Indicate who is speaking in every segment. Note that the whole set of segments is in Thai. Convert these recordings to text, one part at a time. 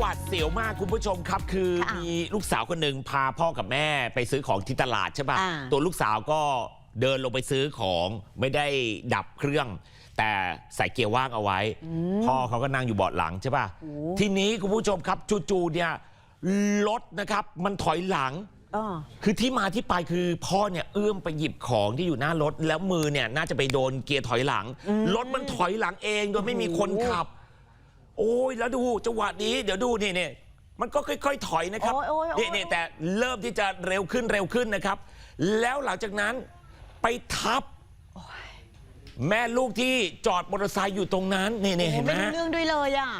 Speaker 1: หวาดเสียวมากคุณผู้ชมครับคือมีลูกสาวคนหนึ่งพาพ่อกับแม่ไปซื้อของที่ตลาดใช่ป่ะตัวลูกสาวก็เดินลงไปซื้อของไม่ได้ดับเครื่องแต่ใส่เกียร์ว่างเอาไว้พ่อเขาก็นั่งอยู่เบาะหลังใช่ป่ะทีนี้คุณผู้ชมครับจู่ๆเนี่ยรถนะครับมันถอยหลังคือที่มาที่ไปคือพ่อเนี่ยเอื้อมไปหยิบของที่อยู่หน้ารถแล้วมือเนี่ยน่าจะไปโดนเกียร์ถอยหลังรถมันถอยหลังเองโดยไม่มีคนขับโอ้ยแล้วดูจังหวะนี้เดี๋ยวดูนี่มันก็ค่อยๆถอยนะครับนี่แต่เริ่มที่จะเร็วขึ้นนะครับแล้วหลังจากนั้นไปทับแม่ลูกที่จอดมอเตอร์ไซค์อยู่ตรงนั้นนี่เห็นไหม
Speaker 2: ไม่รู้เรื่องด้วยเลยอ่ะ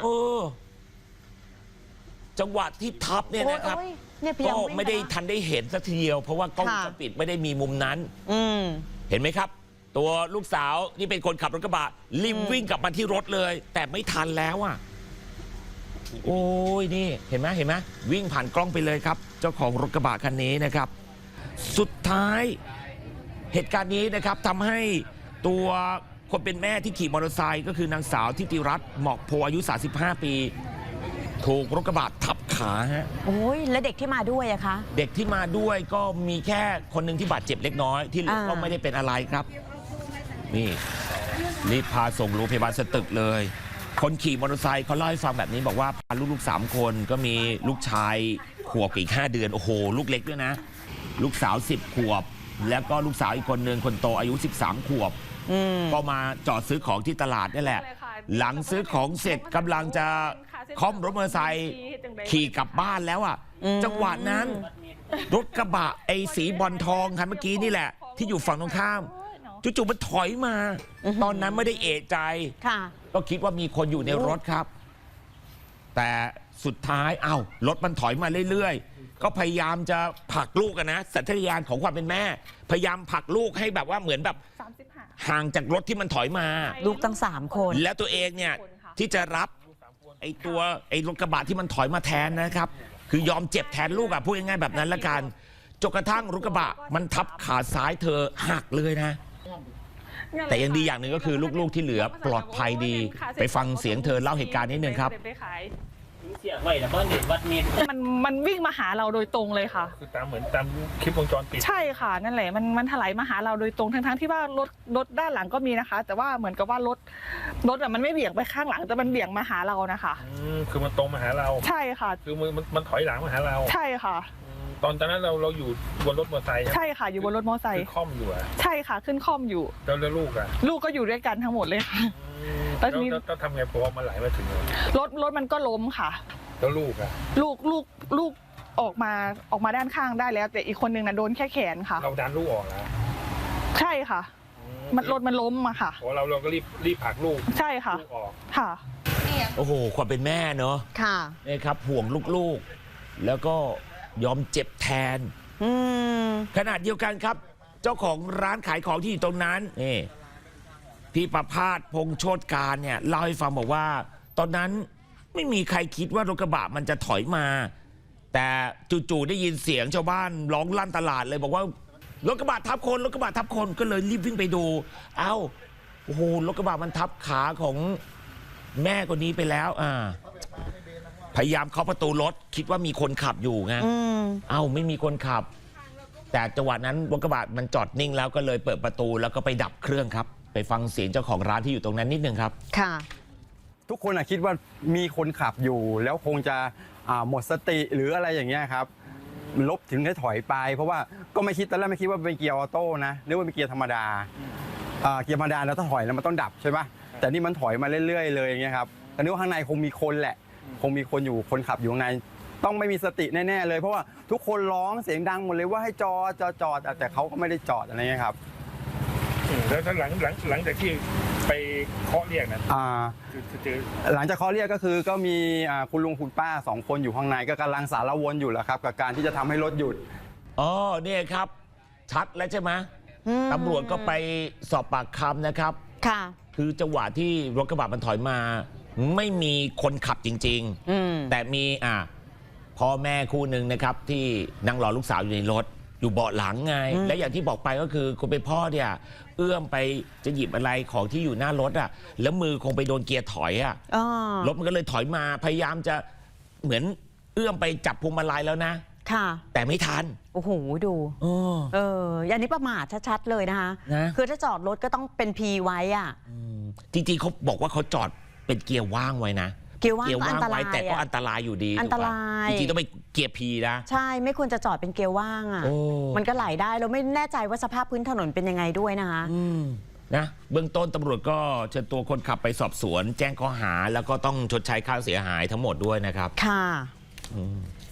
Speaker 1: จังหวะที่ทับเนี่ยนะครับก็ไม่ได้ทันได้เห็นสักทีเดียวเพราะว่ากล้องวงจรปิดไม่ได้มีมุมนั้นเห็นไหมครับตัวลูกสาวที่เป็นคนขับรถกระบะรีบวิ่งกลับมาที่รถเลยแต่ไม่ทันแล้วอ่ะโอ้ยนี่เห็นไหมวิ่งผ่านกล้องไปเลยครับเจ้าของรถกระบะคันนี้นะครับสุดท้ายเหตุการณ์นี้นะครับทำให้ตัวคนเป็นแม่ที่ขี่มอเตอร์ไซค์ก็คือนางสาวทิติรัตน์หมอกโพอายุ35ปีถูกรถกระบะทับขาฮะ
Speaker 2: โอ้ยแล้วเด็กที่มาด้วยอะคะ
Speaker 1: เด็กที่มาด้วยก็มีแค่คนหนึ่งที่บาดเจ็บเล็กน้อยที่เหลือก็ไม่ได้เป็นอะไรครับนี่รีบพาส่งโรงพยาบาลสตึกเลยคนขี่มอเตอร์ไซค์เขาเล่าให้ฟังแบบนี้บอกว่าพาลูก3คนก็มีลูกชายขวบอีก5 เดือนโอ้โหลูกเล็กด้วยนะลูกสาว10 ขวบแล้วก็ลูกสาวอีกคนหนึ่งคนโตอายุ13 ขวบก็มาจอดซื้อของที่ตลาดนี่แหละหลังซื้อของเสร็จกำลังจะค่อมรถมอเตอร์ไซค์ขี่กลับบ้านแล้วอ่ะจังหวะนั้นรถกระบะไอ้สีบอลทองคันเมื่อกี้นี่แหละที่อยู่ฝั่งตรงข้ามจู่ๆมันถอยมาตอนนั้นไม่ได้เอะใจก็คิดว่ามีคนอยู่ในรถครับแต่สุดท้ายรถมันถอยมาเรื่อยๆก็พยายามจะผลักลูกนะสัญชาตญาณของความเป็นแม่พยายามผลักลูกให้แบบว่าเหมือนแบบห่างจากรถที่มันถอยมา
Speaker 2: ลูกตั้ง3 คน
Speaker 1: แล้วตัวเองเนี่ยที่จะรับไอ้รถกระบะที่มันถอยมาแทนนะครับคือยอมเจ็บแทนลูกพูดง่ายๆแบบนั้นละกันจนกระทั่งรถกระบะมันทับขาซ้ายเธอหักเลยนะแต่ยังดีอย่างหนึ่งก็คือลูกๆที่เหลือปลอดภัยดีไปฟังเสียงเธอเล่าเหตุการณ์นิดนึงครับ
Speaker 3: มันวิ่งมาหาเราโดยตรงเลยค่ะ
Speaker 4: คือเหมือนตามคลิปวงจรปิด
Speaker 3: ใช่ค่ะนั่นแหละมันถลายมาหาเราโดยตรงทั้งที่ว่ารถด้านหลังก็มีนะคะแต่ว่าเหมือนกับว่ารถมันไม่เบี่ยงไปข้างหลังแต่มันเบี่ยงมาหาเรานะคะ
Speaker 4: คือมันตรงมาหาเรา
Speaker 3: ใช่ค่ะ
Speaker 4: คือมันถอยหลังมาหาเรา
Speaker 3: ใช่ค่ะ
Speaker 4: ตอนนั้นเราอยู่บนรถมอเตอร์ไซค์
Speaker 3: ใช่ค่ะอยู่บนรถมอเตอร์ไซค์
Speaker 4: ขึ้นค่อมอยู่
Speaker 3: ใช่ค่ะขึ้นค่อมอยู่
Speaker 4: แล้วลูก
Speaker 3: ลูกก็อยู่ด้วยกันทั้งหมดเลยค่ะ
Speaker 4: แล้วต้องทำไงพอมันไหลมาถึง
Speaker 3: รถมันก็ล้มค่ะ
Speaker 4: แล้ว
Speaker 3: ลูกออกมาด้านข้างได้แล้วแต่อีกคนนึงโดนแค่แขนค่ะ
Speaker 4: เราดันลูกออกแล้ว
Speaker 3: ใช่ค่ะรถมันล้มมาค่ะ
Speaker 4: เราก็รีบผลักลูก
Speaker 3: ใช่ค่ะ
Speaker 4: ออก
Speaker 3: ค่ะ
Speaker 1: โอ้โหความเป็นแม่เนอะ
Speaker 2: ค่ะ
Speaker 1: นี่ครับห่วงลูกๆแล้วก็ยอมเจ็บแทนขนาดเดียวกันครับเจ้าของร้านขายของที่อยู่ตรงนั้นนี่พี่ประภาสพงษ์โชติการเนี่ยเล่าให้ฟังบอกว่าตอนนั้นไม่มีใครคิดว่ารถกระบะมันจะถอยมาแต่จู่ๆได้ยินเสียงชาวบ้านร้องลั่นตลาดเลยบอกว่ารถกระบะทับคนก็เลยรีบวิ่งไปดูโอ้โหรถกระบะมันทับขาของแม่คนนี้ไปแล้วพยายามเคาะประตูรถคิดว่ามีคนขับอยู่ไงไม่มีคนขับแต่จังหวะนั้นรถกระบะมันจอดนิ่งแล้วก็เลยเปิดประตูแล้วก็ไปดับเครื่องครับไปฟังเสียงเจ้าของร้านที่อยู่ตรงนั้นนิดนึงครับ
Speaker 2: ค่ะ
Speaker 5: ทุกคนคิดว่ามีคนขับอยู่แล้วคงจะหมดสติหรืออะไรอย่างเงี้ยครับลบถึงได้ถอยไปเพราะว่าก็ไม่คิดตอนแรกไม่คิดว่าเป็นเกียร์ออโต้นะนึกว่าเป็นเกียร์ธรรมดาเกียร์ธรรมดาแล้วถ้าถอยแล้วมันต้องดับใช่ไหมแต่นี่มันถอยมาเรื่อยๆเลยอย่างเงี้ยครับแต่นึกว่าข้างในคงมีคนแหละคงมีคนอยู่คนขับอยู่ข้างในต้องไม่มีสติแน่ๆเลยเพราะว่าทุกคนร้องเสียงดังหมดเลยว่าให้จอดแต่เขาก็ไม่ได้จอดอะไรเงี้ยครับ
Speaker 4: แล้วหลังจากที่ไปเคาะเรียกนะ
Speaker 5: หลังจากเคาะเรียกก็คือก็มีคุณลุงคุณป้า2 คนอยู่ข้างในก็กำลังสารวนอยู่แล้วครับกับการที่จะทำให้รถหยุด
Speaker 1: เนี่ยครับชัดแล้วใช่ไหมตำรวจก็ไปสอบปากคำนะครับ
Speaker 2: ค่ะ
Speaker 1: คือจังหวะที่รถกระบะมันถอยมาไม่มีคนขับจริงๆแต่มีพ่อแม่คู่หนึ่งนะครับที่นั่งรอลูกสาวอยู่ในรถอยู่เบาะหลังไงและอย่างที่บอกไปก็คือคุณเป็นพ่อเนี่ยเอื้อมไปจะหยิบอะไรของที่อยู่หน้ารถแล้วมือคงไปโดนเกียร์ถอยรถมันก็เลยถอยมาพยายามจะเหมือนเอื้อมไปจับพวงมาลัยแล้วนะ
Speaker 2: ค่ะ
Speaker 1: แต่ไม่ทัน
Speaker 2: โอ้โห ดู อย่างนี้ประมาทชัดๆเลยนะคะ
Speaker 1: นะ
Speaker 2: คือถ้าจอดรถก็ต้องเป็นพีไว้อ่ะ
Speaker 1: จริงๆเขาบอกว่าเขาจอดเป็นเกียร์ว่างไว้นะ
Speaker 2: เกียร์ว่างก็อันตราย
Speaker 1: แต่ก็
Speaker 2: อะ
Speaker 1: อันตรายอยู่ดี
Speaker 2: อันตราย
Speaker 1: ถูกปะจริงๆต้องไปเกียร์พีนะ
Speaker 2: ใช่ ไม่ควรจะจอดเป็นเกียร์ว่างอ่ะ
Speaker 1: โอ้
Speaker 2: มันก็ไหลได้เราไม่แน่ใจว่าสภาพพื้นถนนเป็นยังไงด้วยนะคะ
Speaker 1: นะเบื้องต้นตำรวจก็เชิญตัวคนขับไปสอบสวน แจ้งข้อหาแล้วก็ต้องชดใช้ค่าเสียหายทั้งหมดด้วยนะครับ
Speaker 2: ค่ะ